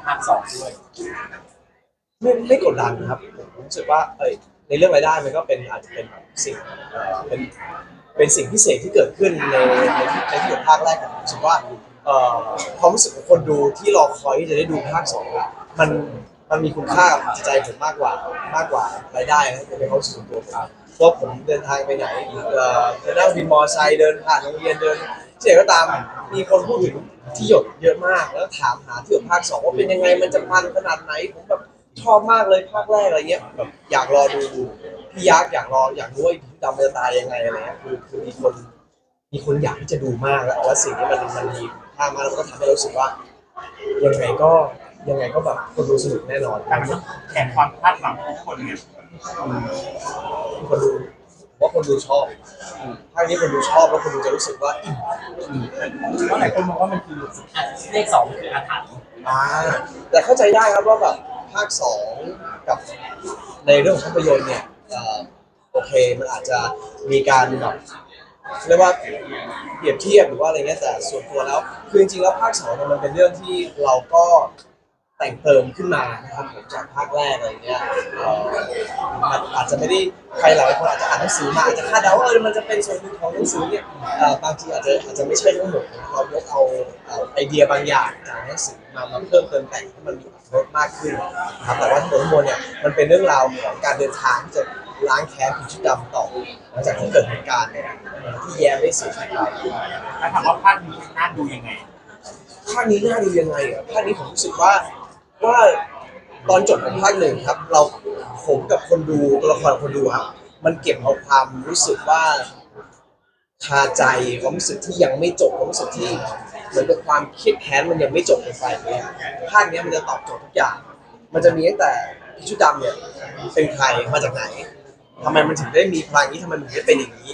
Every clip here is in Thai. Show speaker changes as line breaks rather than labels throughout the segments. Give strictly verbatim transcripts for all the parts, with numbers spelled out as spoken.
ภาคสองด้วย
ไม่ไม่กดดันนะครับผมรู้สึกว่าเอ้ยในเรื่องรายได้มันก็เป็นอาจจะเป็นสิ่งเอ่อเป็นเป็นสิ่งพิเศษที่เกิดขึ้นในในที่ในที่ภาคแรกผมรู้สึกว่าเอ่อความรู้สึกของคนดูที่รอคอยที่จะได้ดูภาคสองอะมันมันมีคุณค่ากับจิตใจผมมากกว่ามากกว่ารายได้นะเป็นความรู้สึกส่วนตัวผมเพราะผมเดินทางไปไหนเอ่อจะนั่งวินมอเตอร์ไซค์เดินผ่านโรงเรียนเดินที่ไหนก็ตามมีคนพูดถึงที่หยดเยอะมากแล้วถามหาที่หยดภาคสองว่าเป็นยังไงมันจะมันขนาดไหนผมแบบ ชอบมากเลยภาคแรกอะไรเงี้ยแบบอยากรอดูพี่ยักษ์อยากรออยากรู้ว่าพี่ดำจะตายยังไงอะไรเงี้ยคือคือมีคนมีคนอยากที่จะดูมากแล้วแล้วสิ่งนี้มันมันมีภาพมาแล้วก็ทำให้เรารู้สึกว่ายังไงก็ยังไงก็แบบคนดูสนุกแน่นอน
การแข่งความคาดหวังของทุกคนเนี่ย
คนดูว่าคนดูชอบภาคนี้คนดูชอบแล้วคนดูจะรู้สึกว่าอิ่ม
เพราะหลายคนมองว่ามันคือเลขสองคืออาถรรพ์
อ่าแต่เข้าใจได้ครับว่าแบบภาคสองกับในเรื่องของภาพยนตร์เนี่ยโอเคมันอาจจะมีการแบบเรียกว่าเปรียบเทียบหรือว่าอะไรเงี้ยแต่ส่วนตัวแล้วคือจริงๆแล้วภาคสองเนี่ยมันเป็นเรื่องที่เราก็แต่งเติมขึ้นมานะครับผมจากภาคแรกอะไรเงี้ยมันอาจจะไม่ได้ใครหลายคนอาจจะอ่านหนังสือมาอาจจะคาดเดาว่าเออมันจะเป็นส่วนหนึ่งของหนังสือเนี่ยบางทีอาจจะอาจจะไม่ใช่ทั้งหมดเรายกเอาไอเดียบางอย่างจากหนังสือมามาเพิ่มเติมแต่งให้มันมีรสมากขึ้นนะครับแต่ว่าทั้งหมดทั้งมวลเนี่ยมันเป็นเรื่องราวของการเดินทางที่จะล้างแค้นผีชุดดำต่อหลังจากที่เกิดเหตุการณ์เนี่ยที่แย้มได้เสียชีวิตไป
ถ้าถามว่าภาคนี้น่าดูยังไง
ภาคนี้น่าดูยังไงอ่ะภาคนี้ผมรู้สึกว่าว่าตอนจบของภาคหนึ่งครับเราผมกับคนดูตัวละครคนดูครับมันเก็บเอาความรู้สึกว่าคาใจความรู้สึกที่ยังไม่จบความรู้สึกที่เหมือนกับความเครียดแค้นมันยังไม่จบลงไปเนี่ยภาคนี้มันจะตอบโจทย์ทุกอย่างมันจะมีตั้งแต่ผีชุดดำเนี่ยเป็นใครมาจากไหนทำไมมันถึงได้มีพลังนี้ทำไมมันถึงได้เป็นอย่างนี้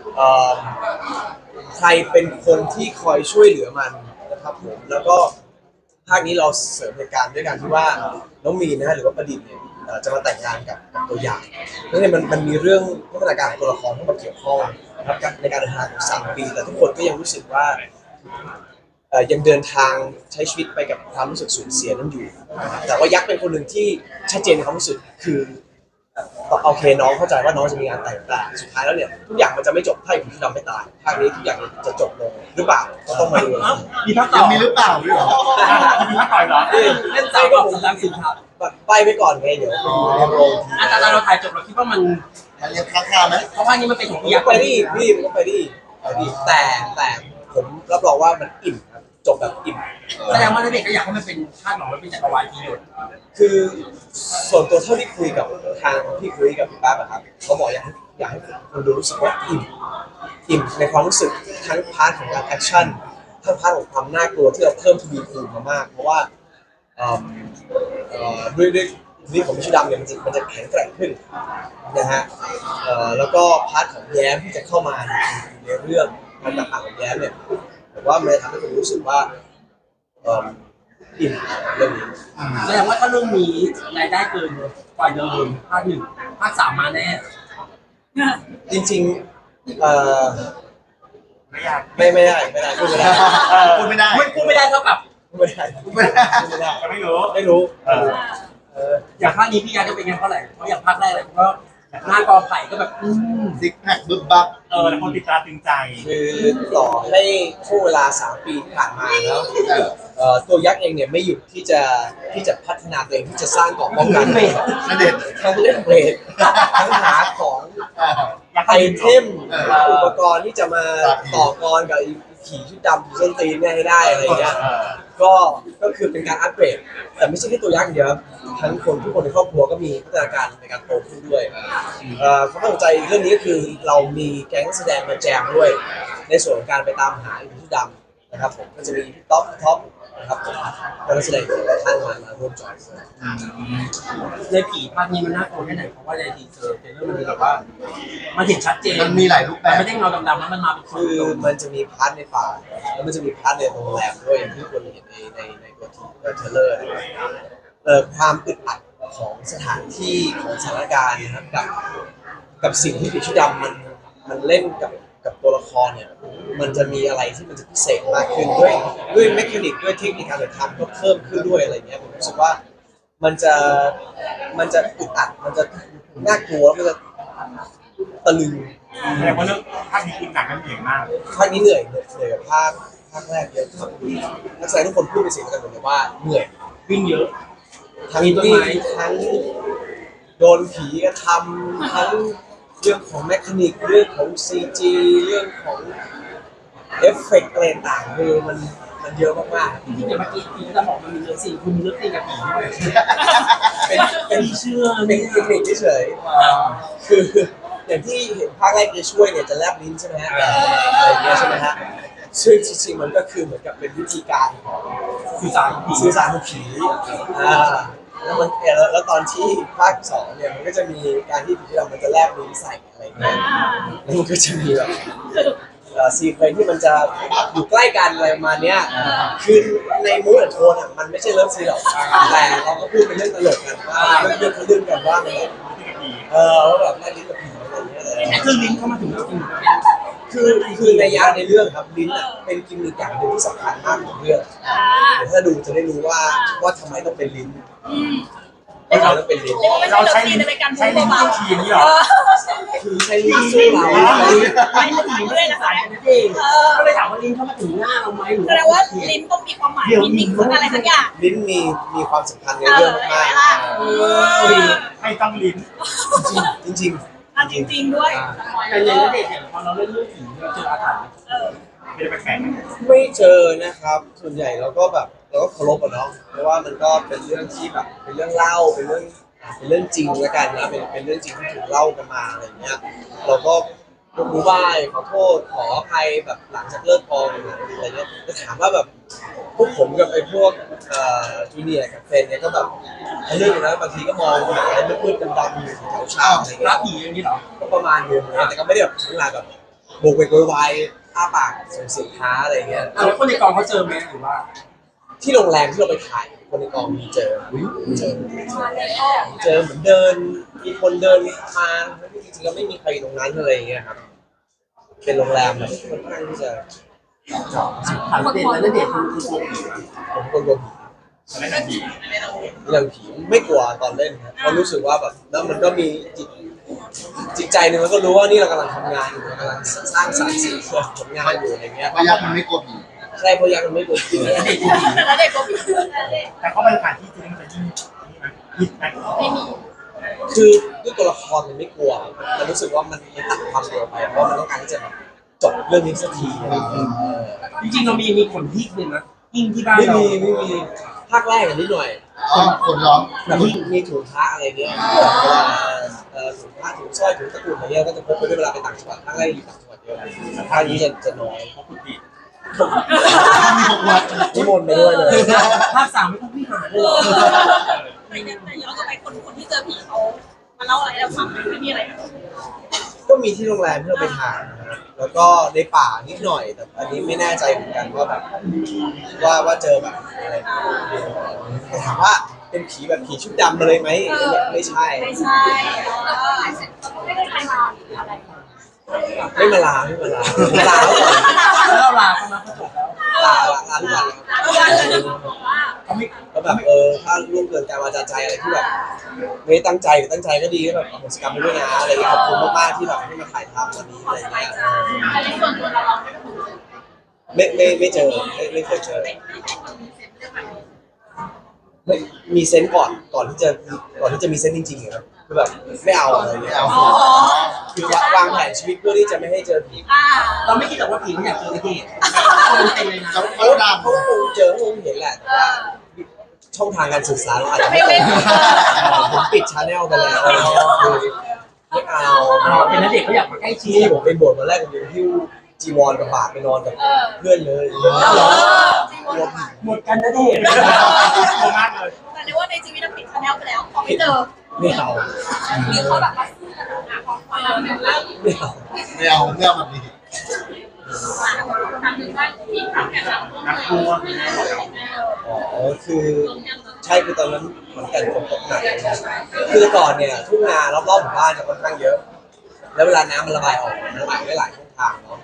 ใครเป็นคนที่คอยช่วยเหลือมันนะครับผมแล้วก็ภาคนี้เราเสริมเหตุการณ์ด้วยการที่ว่าน้องมีนนะฮะหรือว่าประดิษฐ์เนี่ยจะมาแต่งงานกับตัวอย่างนั่นเนี่ยมันมันมีเรื่องพัฒนาการของตัวละครเข้ามาเกี่ยวข้องนะครับในการเดินทางของสามปีแต่ทุกคนก็ยังรู้สึกว่ายังเดินทางใช้ชีวิตไปกับความรู้สึกสูญเสียนั้นอยู่แต่ว่ายักษ์เป็นคนหนึ่งที่ชัดเจนในความรู้สึกคือโอเคน้องเข้าใจว่าน้องจะมีงานแต่งแต่สุดท้ายแล้วเนี่ยทุกอย่างมันจะไม่จบถ้าผีดำไม่ตายภาคนี้ทุกอย่างจะจบลงหรือเปล่าก็ต้องมาดู
มีภาคต่อ
มีหรือเปล่าหรือเปล่า
มีภาคต่อเหรอเล่นสาวกับสามสิบครับ
ไปไปก่อนไงเดี๋ยวในโรง
อาจารย์เราถ่ายจบเราคิดว่ามัน
มันยังค้างๆไหม
เพราะภาคนี้มันเป็นของพี่ยักษ์
ไปดิพี่มันก็ไปดิไปดิแต่แต่ผมรับรองว่ามันอิ่มจบแบบอิ่ม
แสดงว่าเด็กก็อยากให้มันเป็นภาคหนองมันเป็นจักรวาลที่หยด
คือส่วนตัวเท่าที่คุยกับทางพี่คุยกับพี่ป้าครับเขาบอกอยากให้อยากให้คนดูรู้สึกว่าอิ่มอิ่มในความรู้สึกทั้งพาร์ทของการแอคชั่นทั้งพาร์ทของความน่ากลัวที่เราเพิ่มทวีคูณมามากเพราะว่าด้วยด้วยนี่ของพิชิดำเนี่ยมันจะมันจะแข็งแกร่งขึ้นนะฮะแล้วก็พาร์ทของแย้มที่จะเข้ามาในเรื่องการต่างๆของแย้มเนี่ยผมว่ามันทำให้ผมรู้สึกว่าอิ่มเรื่องนี้
แสดงว่าถ้าเรื่องนี้รายได้เกินกว่าเดิมภาคหนึ่งภาคสามมาแน่
จริงๆเอ่อไม่ยากไม่ไม่ได้ไม่ได้พูดไม่ได้
พูดไม่ได้
พูดไม่ได้เท่ากับ
พูดไม่ได้พูดไม่ได้พูดไม่ได้
ไม่รู้
ไม่รู้
อย่างภาคนี้พี่ยาจะเป็นยังเท่าไหร่เพราะอย่างภาคแรกเลยก็หน้ากอไผ่ก็แบบ
ซิกแพคบึ้บบับ
เออแล้วคนติดตาตึงใจ
คือต่อให้ช่วงเวลาสามปีที่ผ่านมาแล้วตัวยักษ์เองเนี่ยไม่หยุดที่จะที่จะพัฒนาตัวเองที่จะสร้างเกราะป้องกัน
นั่นเด็ด
ทั้งเล่นเบรดทั้งหาของไอเทมอุปกรณ์ที่จะมาต่อกรกับขี่ชุดดำส้นตีนเนี่ยให้ได้อะไรเงี้ยก็ก็คือเป็นการอัปเกรดแต่ไม่ใช่แค่ตัวยักษ์อย่างเดียวทั้งคนทุกคนในครอบครัวก็มีพัฒนาการในการโตขึ้นด้วยความตั้งใจเรื่องนี้ก็คือเรามีแก๊งแสดงมาแจมด้วยในส่วนของการไปตามหาชุดดำนะครับผมก็จะมีพี่ท็อปท็อปนะครับผมนักแสดงหลายท่านมามาร่วมจอย
ในผีภาคนี้มันน่ากลัวแค่ไหนเพราะว่าในทีเซอร์เทรลเลอร์มันแบบว่ามันเห็นชัดเจน
มันมีหลายรูปแบบ
ไม่ได้เงาดำๆแล้วมันมาเป็น
คือมันจะมีพาร์ทในป่าแล้วมันจะมีพาร์ทในโรงแรมด้วยอย่างที่คนเห็นในในในตัวทีเทรลเลอร์เอ่อความอึดอัดของสถานที่ของสถานการณ์นะครับกับกับสิ่งที่ผีชุดดำมันมันเล่นกับกับตัวละครเนี่ยมันจะมีอะไรที่มันจะพิเศษมากขึ้นด้วยด้วยเมคานิกด้วยเทคนิคการถ่ายทำก็เพิ่มขึ้นด้วยอะไรเงี้ยผมรู้สึกว่ามันจะมันจะอึดอัดมันจะน่ากลัวแล้วมันจะตะลึง
แสดงว่าเรื่องภาคนี้คือหนักกันเหนื่อยมาก
ภาคนี้เหนื่อยเหนื่อยกับภาคภาคแรกเยอะครับนักแสดงทุกคนพูดเป็นเสียงเดียวกันหมดเลยว่าเหนื่อย
วิ่งเยอะ
ทั้ง
มีต้น
วิ่
ไม้
งทั้งโดนผีกระทำทั้งเรื่องของแมคานิกเรื่องของซีจีเรื่องของเอฟเฟกต์อะไรต่างๆคือมันมันเยอะมาก
จริงๆอย่างเมื่อกี้พี่จะบอกมันมีเลิฟซีนคุณมีเลิฟซีนกับผีด้วย
ๆเป็นเป็น
พี่เชื่อ
เป็นเทคนิคเฉยๆคืออย่างที่เห็นภาคแรกจะช่วยเนี่ยจะแลบลิ้นใช่ไหมฮะอะไรอย่างเงี้ยใช่ไหมฮะซึ่งจริงๆมันก็คือเหมือนกับเป็นวิธีการของ
สื่อสารกับผี
สื่อสารกับผีอ่าแล้วมันแล้วแล้วตอนที่ภาคสองเนี่ยมันก็จะมีการที่ผีเรามันจะแลบลิ้นใส่อะไรเงี้ยแล้วมันก็จะมีแบบเอ่อซีเควนซ์ที่มันจะอยู่ใกล้กันอะไรประมาณเนี้ยคือในมูดแอนโทนอ่ะมันไม่ใช่เลิฟซีนหรอกแต่เราก็พูดเป็นเรื่องตลกกันว่าเรื่องเรื่องเขาเรื่องกันว่ามันเออว่าแบบแลบลิ้นกับผีอะไรเงี้ยเลย
คือลิ้นเข้ามาถึงแล้วจริง
คือคือในยะในเรื่องครับลิ้นอ่ะเป็นกิมมิคอย่างหนึ่งที่สำคัญมากของเรื่องเดี๋ยวถ้าดูจะได้รู้ว่าว่าทำไมต้องเป็นลิ้นทำไมต้องเป็นลิ้น
เราใช้ลิ้นใช้ลิ้นต้องทีนี้หรอ
คือใช้ลิ้นสู้เรา
ไม่ให้ผีไม่ได้สายกันเองก็เลยถามว่าลิ้นเข้ามาถึงหน้าเราไหมหรือ
แสดงว่าลิ้นต้องมีความหมายมีนิ่งอะไรสักอย่าง
ลิ้นมีมีความสำคัญในเรื่องมาก
ไม่ต้องลิ้น
จริงจริง
อ่ะจริงๆด้วย
แต่ในเด็กเนี่ยพอเราเล่นเรื่องผีเราเจออาถรรพ์
เออ
ไม่ได้แปลก
ไม่เจอนะครับ ส่วนใหญ่เราก็แบบเราก็เคารพอะเนาะเพราะว่ามันก็เป็นเรื่องที่แบบเป็นเรื่องเล่าเป็นเรื่องเป็นเรื่องจริงแล้วกันนะเป็นเป็นเรื่องจริงที่ถูกเล่ากันมาอะไรเงี้ยเราก็ยกมือไหว้ขอโทษขออภัยแบบหลังจากเลิกกองอะไรเงี้ยแต่ถามว่าแบบพวกผมกับไอ้พวกเอ่อจูเนียร์กับเฟนเนี่ยก็แบบเรื่องนะบางทีก็มองหาอะไรมืดๆดำๆอยู่แถวๆเช้าอะไร
รั
เงี้
บ
ย
ผีอย่างนี้เหรอ
ก็ประมาณนึงนะแต่ก็ไม่ได้แบบถึงขนาดแบบโบกเวกโวยวายอ้าปากส่งเสียงท้าอะไรเงี้ย
แล้วคนในกองเขาเจอไหมหรือว่า
ที่โรงแรมที่เราไปถ่ายคนในกองมีเจอเจอเจอเหมือนเดินมีคนเดินมาจริงๆแล้วไม่มีใครอยู่ตรงนั้นเลยอย่างเงี้ยครับเป็นโรงแรมแบบค่อนข้างที่จะ
ถามเด็กแล้วเด็กคือคือกลัวผี
ผมคนกลัวผี
ๆไม่ได้ผี
เรื่องผีไม่กลัวตอนเล่นครับเพราะรู้สึกว่าแบบแล้วมันก็มีจิตจิตใจหนึ่งมันก็รู้ว่านี่เรากำลังทำงานอยู่เรากำลังสร้างสรรค์สิ่งเพื่อผลงานอยู่อะไรเงี้ย
พยักมันไม่กลัวผี
ใช่เพราะยักษ์มันไม่กลัวผี
เด็กคือผี
แล้วเด็กก็มี
แต่เขาไปสถานที่จริงมันจะยิ่งยิ่งนะ
ไม่มี
คือด้วยตัวละครมันไม่กลัวมันรู้สึกว่ามันมันตัดความกลัวไปเพราะมันต้องการที่จะแบบจบเรื่องนี้สักทีอะไรเงี้ย
จริงๆเรามีมีคนที่หนึ่งนะยิ่งที่บ้าน
ไม่
เรา
มีไม่มีภาคแรกอันนิดหน่อย
อ๋อคนร้อง
แบบมีมีถุงพระอะไรเงี้ยเวลาเอ่อถุงพระถุงสร้อยถุงตะกรุดอะไรเงี้ยก็จะพกไปด้วยเวลาไปต่างจังหวัดภาคแรกอยู่ต่างจังหวัดเยอะแต่ภาคนี้จะจะน้อย
เขาพูดผิด
มีหกวัด
นิมนต์ไปด้วยเลย
ภาคสามไม่ต้องพี่หาเลยหรอ
ไม่ได้แต่ย้อนกลับไปคนคนที่เจอผีเขามาเล่าอะไรให้เราฟังไหมไม่มีอะไร
ก็มีที่โรงแรมที่เราไปถ่ายนะครับแล้วก็ในป่านิดหน่อย แต่อันนี้ไม่แน่ใจเหมือนกันว่าแบบว่าว่าเจอแบบอะไรแต่ถามว่าเป็นผีแบบผีชุดดำมาเลยไหมไม่ใช่
ไม่ใช่ไม่ได้ใครมาอะไร
ไม่มาลาไม่มาลามาลาแล้วก่อน
แล้วเราลาเขามาเขาจบแล้ว
ลาลาทุกวันเลยครับ
ร้านเลยบอกว่า
เขาไม่
แล้วแบบเออถ้าล่วงเกินการวาจาใจอะไรที่แบบไม่ตั้งใจหรือตั้งใจก็ดีก็แบบอโหสิกรรมไปด้วยนะอะไรอย่างเงี้ยขอบคุณมากๆที่แบบให้มาถ่ายทำวันนี้อะไรอย่างเงี้ย
แต่ในส่วนตัวเราเราไม่ถูก
ไม่ไม่ไม่เจอไม่ไม่เคยเจอไม่มีเซนส์ก่อนก่อนที่จะก่อนที่จะมีเซนส์จริงๆครับคือแบบไม่เอาอะไรเงี้ย
เอา
อ๋อ
คือวางแผนชีวิตเพื่อที่จะไม่ให้เจอผี
อ่า
เราไม่คิดแต่ว่าผีมันอยากเจอเด็กคนเต็มเลยนะ
จับ
เขา
เขาดำ
เขาคงเจอคงเห็นแหละแต่ว่าช่องทางการสื่อสารเราอาจจะ
ไม่
ไม่
ไม่
ตรงผมปิดชาแนลไปแล้วคือไม่เอา
เราเป็นนักเด็กเขาอยากมาใกล้ชิ
ที่
ด
ผมไปบวชวันแรกผมยังหิ้วจีวรกับบาตรไปนอนกับเพื่อนเลย
เออ
หมดกันนะเด็ก
โตมากเลย
แต่ในว่าในชีวิตเราปิดชาแนลไปแล้วพอไม่เจอ
ไม่เอา
หรือเขาแบบมาซื้อกันหาของฟังแล้ว
ไม่เอา
ไม่เอาเรื่องแบบนี้
ทำถึงว่าที่ทำแก่เรา
นักกลัว
อ๋อคือใช่คือตอนนั้นเหมือนกันฝนตกหนักนะคือแต่ก่อนเนี่ยทุ่งนารอบๆหมู่บ้านจะค่อนข้างเยอะ แล้วเวลาน้ำมันระบายออกมันระบายได้หลายช่องทางเนาะ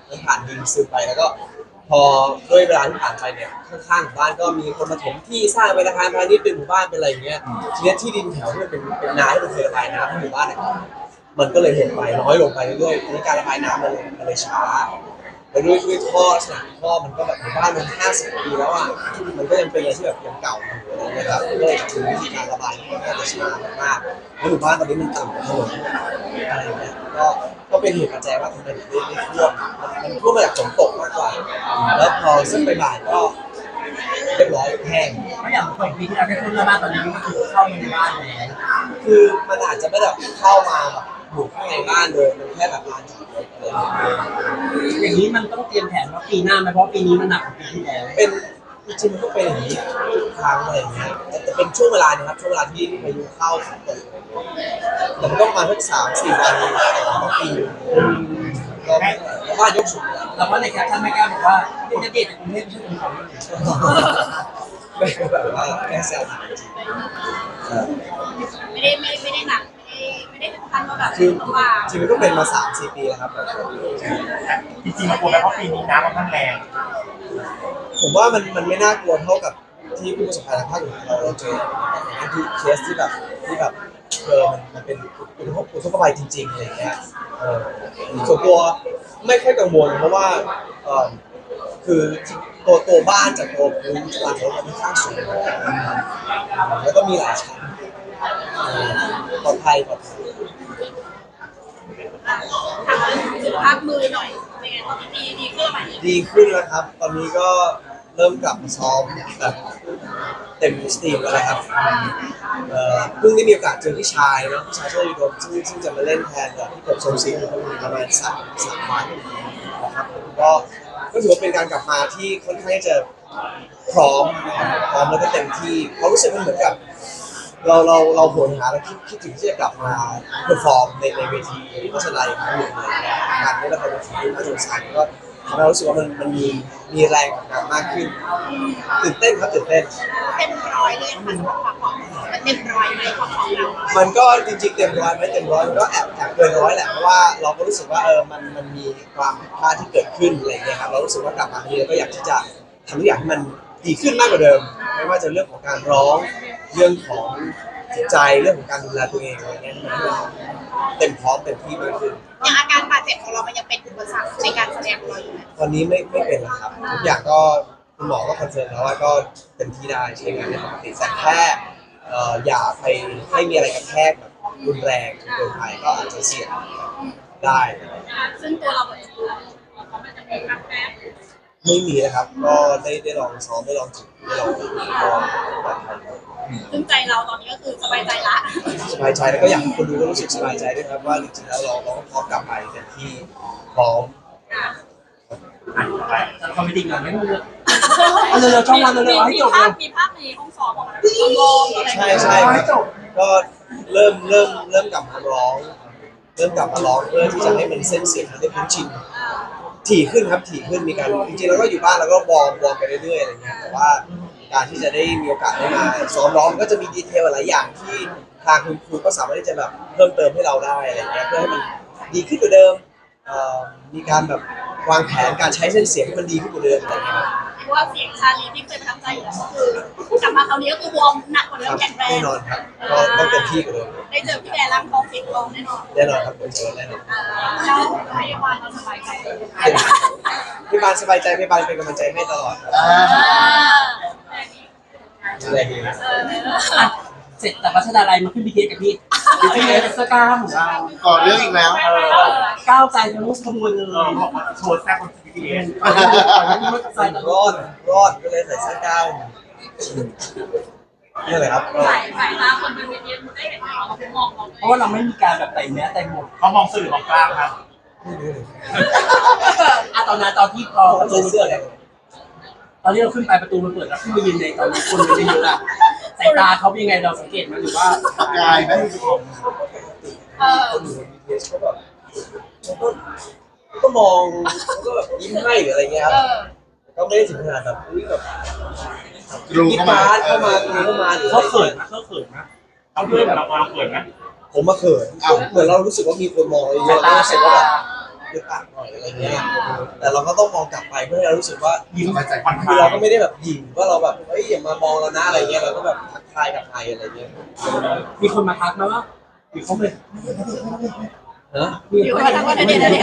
มันผ่านดินซึมไปแล้วก็ พอด้วยเวลาที่ผ่านไปเนี่ยข้างๆหมู่บ้านก็มีคนมาถมที่สร้างเป็นอาคารพาณิชย์เป็นหมู่บ้านเป็นอะไรอย่างเงี้ยทีนี้ที่ดินแถวที่มันเป็นเป็นนาที่มันเคยระบายน้ำให้หมู่บ้านเนี่ยมันก็เลยหดไปน้อยลงไปเรื่อยๆทีนี้การระบายน้ำมันเลยมันเลยช้าไปด้วยด้วยท่อลักษณะท่อมันก็แบบหมู่บ้านมันห้าสิบปีแล้วอ่ะมันก็ยังเป็นอะไรที่แบบยังเก่าอยู่อะไรเงี้ยครับก็เลยถึงวิธีการระบายมันก็จะช้ามากๆแล้วหมู่บ้านตอนนี้มันต่ำกว่าถนนอะไรเงี้ยก็ก็เป็นเหตุปัจจัยว่าทำไมถึงได้ได้ท่วมมันท่วมมาจากฝนตกมากกว่าแล้วพอซึ่งไปบ่ายก็เรียบร้อยแห้ง
เพราะอย่างเปิดปีที่เราได้ขึ้นหน้าบ้านตอนนี้ก็คือเข้ามาในบ้านแล้ว
คือมันอาจจะไม่แบบเข้ามาแบบอยู่ข้างในบ้านเลยมันแค่แบบลานจอดรถอะไรอย่างเงี้ย
อย่างนี้มันต้องเตรียมแผนว่าปีหน้าไหมเพราะปีนี้มันหนักกว่าปีที่แล้ว
เป็นจริงๆมันก็เป็นอย่างนี้ทุกครั้งอะไรอย่างเงี้ยแต่จะเป็นช่วงเวลานะครับช่วงเวลาที่พายุเข้าฝนตกแต่มันต้องมาสักสามสี่วันต่อปีก็บ้านยกสูง
เราว่าในแคปชั่นไม่กล้าบอกว่าเป็นจะเด็ดจากกรุงเทพไม่ใช่กรุงเทพ
ไม่แบบว่าแค่แซวจริง
ไม่ได้ไม่ไม่ได้หนักไม่ได้ไม่ได้ถึงขั้นว่าแบบ
คือ
ลำบาก
จริงๆมันก็เป็นมาสามสี่ปีแล้วครับ
จริงๆมันกลัวไหมเพราะปีนี้น้ำมันค่อนข้างแรง
ผมว่ามันมันไม่น่ากลัวเท่ากับที่ผู้ประสบภัยทางภาคเหนือเราเราเจออย่างนั้นคือเคสที่แบบที่แบบเออมันมันเป็นอุทกอุทกภัยจริงๆอะไรอย่างเงี้ยเออส่วนตัวไม่ค่อยกังวลเพราะว่าเออคือตัวตัวบ้านจากตัวพื้นหลังรถมันค่อนข้างสูงแล้วก็มีหลายชั้นเออปลอดภัยปลอดภัย
ถามสุขภาพมือหน่อยเป็นไงตอนนี้ดีดีขึ้นไหม
ดีขึ้นแล้วครับ ตอนนี้ก็เริ่มกลับมาซ้อมแบบเต็มสตรีมแล้วนะครับเอ่อเพิ่งได้มีโอกาสเจอพี่ชายเนาะพี่ชายโชคดีโดมซึ่งซึ่งจะมาเล่นแทนกับพี่กบทรงศิลป์ประมาณสามสามวันนะครับผมก็ก็ถือว่าเป็นการกลับมาที่ค่อนข้างจะพร้อมนะครับพร้อมแล้วก็เต็มที่เพราะรู้สึกมันเหมือนกับ เราเราเราโหยหาและคิดคิดถึงที่จะกลับมาเพอร์ฟอร์มในในเวทีโฆษณาอีกครั้งหนึ่งเลยงานนี้เราเป็นทีมน่าสนใจก็ทำให้เรารู้สึกว่ามันมันมีมีแรงกับงานมากขึ้นตื่นเต้นครับตื่นเต้น
เต็มร้อยเลยค่ะสำหรับความของมันเต็มร้อยไหมความของเรา
มันก็จริงๆเต็มร้อยไหมเต็มร้อยมันก็แอบแอบเกินร้อยแหละเพราะว่าเราก็รู้สึกว่าเออมันมันมีความผิดพลาดที่เกิดขึ้นอะไรอย่างเงี้ยครับเรารู้สึกว่ากลับมาทีเราก็อยากที่จะทำทุกอย่างให้มันดีขึ้นมากกว่าเดิมไม่ว่าจะเรื่องของการร้องเรื่องของจิตใจเรื่องของการดูแลตัวเองอะไรเงี้ยให้มันเต็มพร้อมเต็มที่มากขึ้น
อย่างอาการบาดเจ็บของเรามันยังเป็นอุปสรรคในการแสดงของเราอยู่ไหม
ตอนนี้ไม่ไม่เป็นแล้วครับทุกอย่างก็คุณหมอก็คอนเฟิร์มแล้วว่าก็เต็มที่ได้ใช้งานได้ปกติแต่แค่เอ่ออย่าไปให้มีอะไรกระแทกแบบรุนแรงจนเกินไปก็อาจจะเสี่ยงได้
ซึ่งตัวเราเป็นมันจะมีการแพ้
ไม่มีนะครับ ก็ได้ได้ลองซ้อมได้ลองฝึกได้ลองฝึกก็ปลอดภัย
ซึ่งใจเราตอนนี้ก็คือสบายใจละ
สบายใจแล้วก็อยากให้คนดูก็รู้สึกสบายใจด้วยครับว่าจริงๆแล้วเราเราก็พร้อมกลับไปเต็มที่พร้อม
จะคอมเมดี้ก่อนงั้นเร็วเอาเร็วๆช่องวันเร็วๆเอาให้จบ
มี
เล
ภาย พมีภาพในห้องสอบของเราลองอะไร
ใช่ใช่ครับก็เริ่มเริ่มเริ่มกลับมาร้อง เริ่มกลับมาร้องเพื่อที่จะให้มันเส้นเสียงมันได้คุ้นชินถี่ขึ้นครับถี่ขึ้นมีการจริงๆแล้วก็อยู่บ้านแล้วก็วอร์มวอร์มไปเรื่อยๆอะไรเงี้ยแต่ว่าการที่จะได้มีโอกาสได้มาซ้อมร้องก็จะมีดีเทลหลายอย่างที่ทางคุณครูก็สามารถที่จะแบบเพิ่มเติมให้เราได้อะไรเงี้ยเพื่อให้มันดีขึ้นกว่าเดิมเอ่อมีการแบบวางแผนการใช้เส้นเสียงให้มันดีขึ้นกว่าเดิมอะไรเงี้ย
เพราะว่าเสียงชาลีที่เคยประทับใจอยู่แล้วก็คือกลับมาคราวนี้ก็คือวอร์มหนักกว่าเดิ
ค
ม
รับ
แข็งแรง
แน่นอนครับก็ต้องเต็มที่กว่าเดิม
ได้เจอพี่แบร์ร่างทองเสียงทองแน่นอน
แน่นอนครับผมเจอแน่นอน
แล้วพยาบาลเราสบายใจ
พี่บานสบายใจพี่บานเป็นกำลังใจให้ตลอดครับ
อ่า
อะไรดีนะ
อ่ะเสร็จจากรัชดาลัยมาขึ้นบีทีกับพี่หรือเป็นไงเป็นเสื้อกล้ามของเรา
ก่อนเรื่องอีกแล้ว
เออก้าวใจทะลุขบวนเล
เออย บอกว่าโชว์แซ่บบนซีพีเอส
ก่อนหน้านี้ก่อนหน้านี้รถไฟตล
ร
อ
อ
ด
ดรอดก็เลยใส่เสื้อกล้ามนี่เลยครับก็
สายสายตาคนเป็นเวทีมันได้เห็นเราเขามองเรา
เพราะว่าเราไม่มีการแบบแต่งแม้แต่งหมด
เขามองสื่อมองกลางครับ
ไม่รู้เลย
อะตอนนั้นตอนที่พอ
เขาใส่เสื้ออะไร
ตอนที่เราขึ้นไปประตูมันเปิดแล้วขึ้นไปยืนในตอนนี้คนมันเยอะอะสายตาเขาเป็นยังไงเราสังเกตไหมหรือว่า
ประกายไหม
เออ
คนอยู่บนบีทีเอสเขาแบบเขาก็ก็มองเขาก็แบบยิ้มให้หรืออะไรเงี้ยครับ
เออ
ก็ไม่ได้ถึงขนาดแบบอุ้ยแบบ
กรู
ยิ้ม
เข้ามา
มาเข้ามาคุยเข้ามาหรือ
เขาเขินนะเขาเขินนะ
เอาเพื่อนเราเราเขินไหม
ผมมาเขินเหมือนเรารู้สึกว่ามีคนมองเราเยอะแล้วรู้สึกว่าแบบอึดอัดหน่อยอะไรเงี้ยแต่เราก็ต้องมองกลับไปเพื่อให้เรารู้สึกว่า
ยิ้มใจผ่อนค
คือ
ลา
เรา
ย
ก็ไม่ได้แบบหยิ่งว่าเราแบบเฮ้ยอย่ามามองเรานะอะไรเงี้ยเราก็แบบทักทายกับใครอะไรเงี้ย
มีคนมาทักไหมว่าอยู่เขาเลย
นะ
มีคนมาทักว่าเดี๋ยวเดี๋ยวเดี๋ยว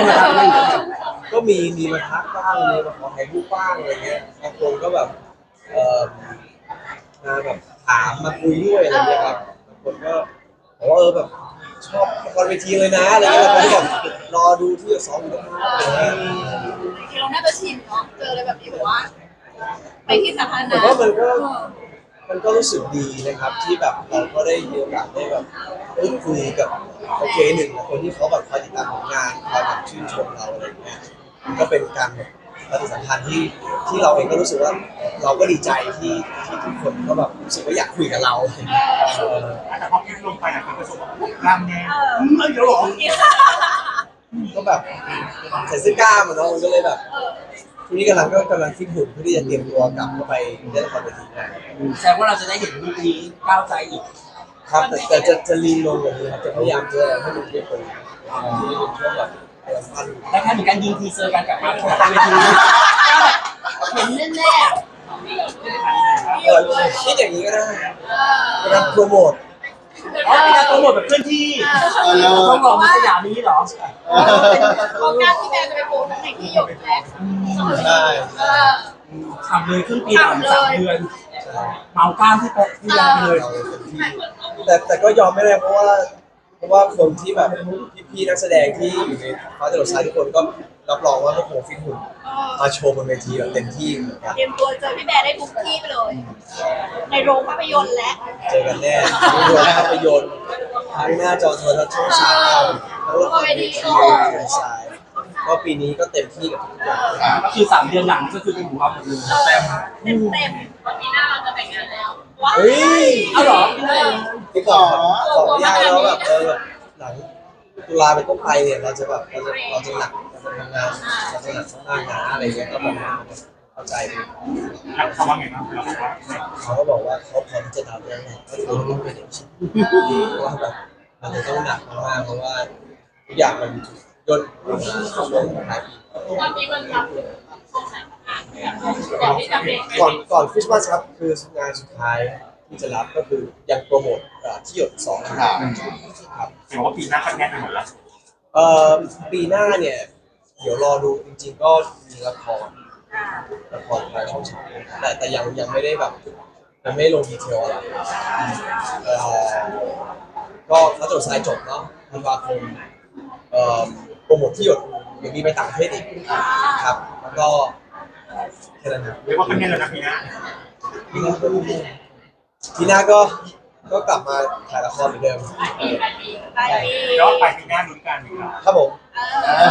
ก็มีมีมาทักบ้างมีมาขอถ่ายรูปบ้างอะไรเงี้ยบางคนก็แบบเอ่อมาแบบถามมาคุยด้วยอะไรเงี้ยครับบางคนก็บอกว่าเออแบบชอบละครเวทีเลยนะอะไรเงี้ยบางคนก็แบบรอดูที่จะซ้อมอยู่ตรงนั้นอะไรเงี้ย
จริงๆเราน่าจะชินเนาะเจออะไรแบบนี้แบบว่า ไปที่สาธารณะ
แต่ว่ามันก็มันก็รู้สึกดีนะครับที่แบบเราก็ได้มีโอกาสได้แบบพูดคุยกับโอเคหนึ่งคนที่เขาแบบคอยติดตามผลงานคอยแบบชื่นชมเราอะไรอย่างเงี้ยก็เป็นการแบบปฏิสัมพันธ์ที่ที่เราเองก็รู้สึกว่าเราก็ดีใจที่ที่ทุกคนก็แบบรู้สึกว่าอยากคุยกับเราเออ
แต่พอคลิปลงไปอ่ะคนก็ชมว่ากล้ามแน่อืมเยอะหรอ
ก็แบบใส่เสื้อกล้ามอะเนาะมันก็เลยแบบทีนี้กำลังก็กำลังฟิตหุ่นเพื่อที่จะเตรียมตัวกลับเข้าไปเล่นละครเวทีนะ
แสดงว่าเราจะได้เห็นรูปนี้ก้าวใจอีก
ครับแต่แต่จะจะลีนลงกว่านี้ครับจะพยายามจะให้มันเรียบร้อยที่เป็นช่วงแบบกำลังปั้น
และถ้ามีการยิงทีเซอร์กันกลับมาของเวทีเห็นแน่
เออคิดอย่างนี้ก็ได้เป็นการโปรโมท
ๆอ๋อเป็นการโปรโมทแบบเคลื่อนที่
เออเลย
ต้องรอมาสยามนี้เหรอ
โครงการที่แม่จะไปโปรโมทในที่หยกแหละ
ใช่
เออ
ทำเลยครึ่งปีหลังสามเดือนเมากล้ามที่โป๊ะที่ยาไปเลย
เราเต็มที่แต่แต่ก็ยอมไม่ได้เพราะว่าเพราะว่าคนที่แบบพี่ๆนักแสดงที่อยู่ในฟ้าจรดทรายทุกคนก็รับรองว่าทุกคนฟิตหุ่นมาโชว์บนเวทีแบบเต็มที่เหมือนกัน
เตรียมตัวเจอพี่แบร์ได้ทุกที่ไปเลย ในโรงภาพยนตร์และ
เจอกันแน่ทั้งโรงภาพยนตร์ทั้งหน้าจอโทรทัศน์ช่องสามทั้งละครเวทีสายก็ปีนี้ก็เต็มที่กับทุกอย่าง
ก็คือสามเดือนหลังก็คือเป็นของเราหมดเลย
เต็มเต็มเต็มวันนี้หน้าเราจะแต่งงานแล้วว้าว
เฮ้ย
เอาเหรอ
ที่บอกบอกไม่ยากแล้วแบบเออแบบหลังตุลาเป็นต้นไปเนี่ยเราจะแบบเราจะเราจะหนักเราจะทำงานเราจะหนักมากนะอะไรเงี้ยก็แบบเข้าใจดี
เขาว่าไงบ้างเราบอกว่า
เขาก็บอกว่าเขาพร้อมจะรับแล้วแหละก็คือต้องเป็นอย่างนี้เพราะว่าแบบมันจะต้องหนักมากเพราะว่าทุกอย่างมันยนต์ช่วงท้ายปี
ตอนนี้มันรับถึงช่วงไหนก่อนที่จะเบรก
ก่อนก่อนคริสต์มาสครับคืองานสุดท้ายที่จะรับก็คือยังโปรโมทเอ่อที่หยดสองครับครับ
เห็นว่าปีหน้าคัดแน่นไปหมดแล้ว
เอ่อปีหน้าเนี่ยเดี๋ยวรอดูจริงๆก็มีละครละครทางช่องสามแต่แต่ยังยังไม่ได้แบบยังไม่ลงดีเทลอะไรเอ่อก็ถ้าจดสายจบเนาะธันวาคมเอ่อโปรโมทที่หยดเดี๋ยวมีไปต่างประเทศอีกครับแล้วก็แค่นั้นครับ
เรียกว่าคัดแน่นแล้วนะปีหน้า
ปีหน้าก็ปีหน้าก็ก็กลับมาถ่ายละครเหมือนเดิม
ไปปี
แล้วไปปีหน้าลุ้นกันอีกแล้ว
ครับผม
เออ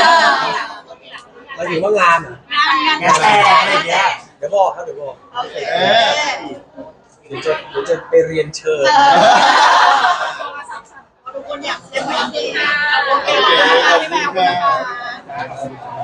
เราถือว่างานเหรอง
านงาน
งานแต่งอะไรอย่างเงี้ย
เดี๋ยวบอกครับเดี๋ยวบอก
โอเค
เออ
เดี๋ยวจะเดี๋ยวจะไปเรียนเชิญ
ทุกคนอยากเต็มที่นะโอเคขอบคุณค่ะพี่แบร์ขอบคุณนะคะ